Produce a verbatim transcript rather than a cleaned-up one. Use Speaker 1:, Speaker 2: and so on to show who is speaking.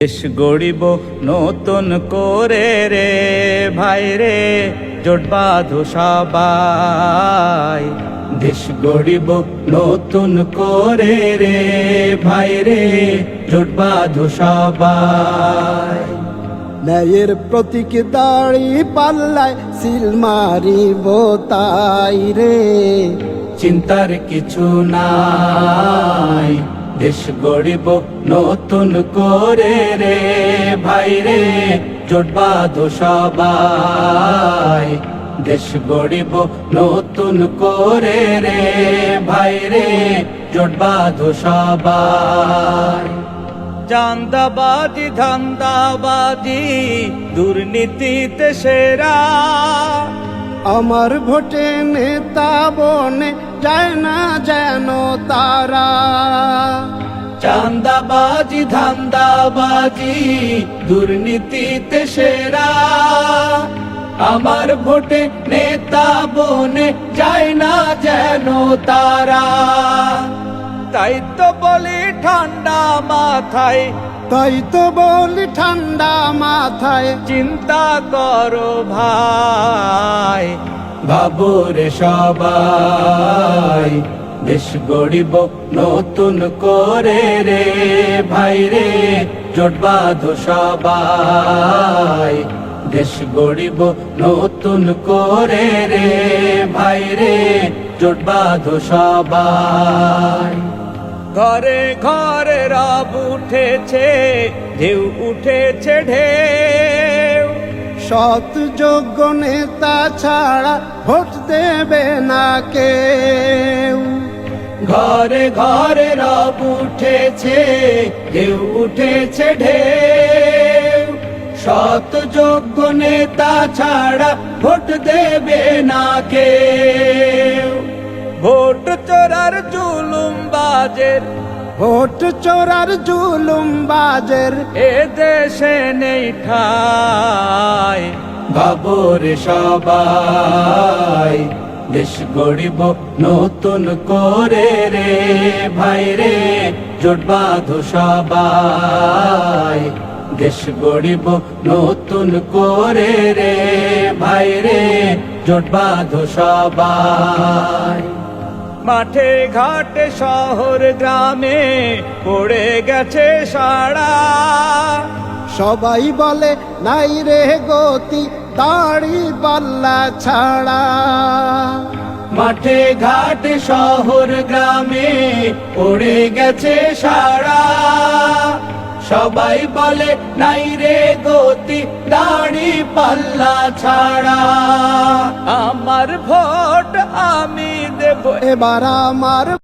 Speaker 1: দেশ গড়িব নতুন করে রে ভাই রে, জোট বাঁধো সবাই। দেশ গড়িব নতুন করে রে ভাই রে, জোট বাঁধো সবাই।
Speaker 2: ন্যায়ের প্রতীক দাড়ি পাল্লায় সিল মারিব তাই রে,
Speaker 1: চিন্তার কিছু নাই। দেশ গড়িব নতুন করে রে ভাই রে, জোট বাঁধো সবাই। দেশ গড়িব নতুন করে রে ভাই রে, জোট বাঁধো সবাই। চাঁদাবাজি ধান্দাবাজি দুর্নীতিতে সেরা,
Speaker 2: আমার ভোটে নেতা বনে যায় না যেন তারা।
Speaker 1: চাঁদাবাজি ধান্দাবাজি দুর্নীতিতে সেরা, আমার ভোটে নেতা বনে যায় না যেন তারা। তাই তো বলি ঠান্ডা মাথায়,
Speaker 2: তাই তো বলি ঠান্ডা মাথায়,
Speaker 1: চিন্তা করো ভাই। ভাবো রে সবাই, দেশ গড়িব নতুন করে রে ভাই রে, জোট বাঁধো সবাই। দেশ গড়িব নতুন করে রে ভাই রে, জোট বাঁধো সবাই। ঘরে ঘরে রব উঠেছে, ঢেউ উঠেছে ঢেউ,
Speaker 2: সৎ যোগ্য নেতা ছাড়া ভোট দেবে না কেউ।
Speaker 1: ঘরে ঘরে রব উঠেছে, ঢেউ উঠেছে ঢেউ, সৎ যোগ্য নেতা ছাড়া ভোট দেবে না কেউ। ভোট চোরার জুলুম বাজের,
Speaker 2: ভোট চোরার জুলুম বাজের
Speaker 1: এ দেশে নেই ঠাই। ভাবো রে সবাই, দেশ গড়িব নতুন করে রে ভাই রে, জোট বাঁধো সবাই। দেশ গড়িব নতুন করে রে ভাই রে, জোট বাঁধো সবাই। মাঠে ঘাটে শহর গ্রামে পড়ে গেছে সাড়া,
Speaker 2: সবাই বলে নাই রে গতি দাড়ি পাল্লা ছাড়া।
Speaker 1: মাঠে ঘাটে শহর গ্রামে পড়ে গেছে সাড়া, সবাই বলে নাই রে গতি দাড়ি পাল্লা ছাড়া। আমার ভোট আমি দেব
Speaker 2: এবার আমার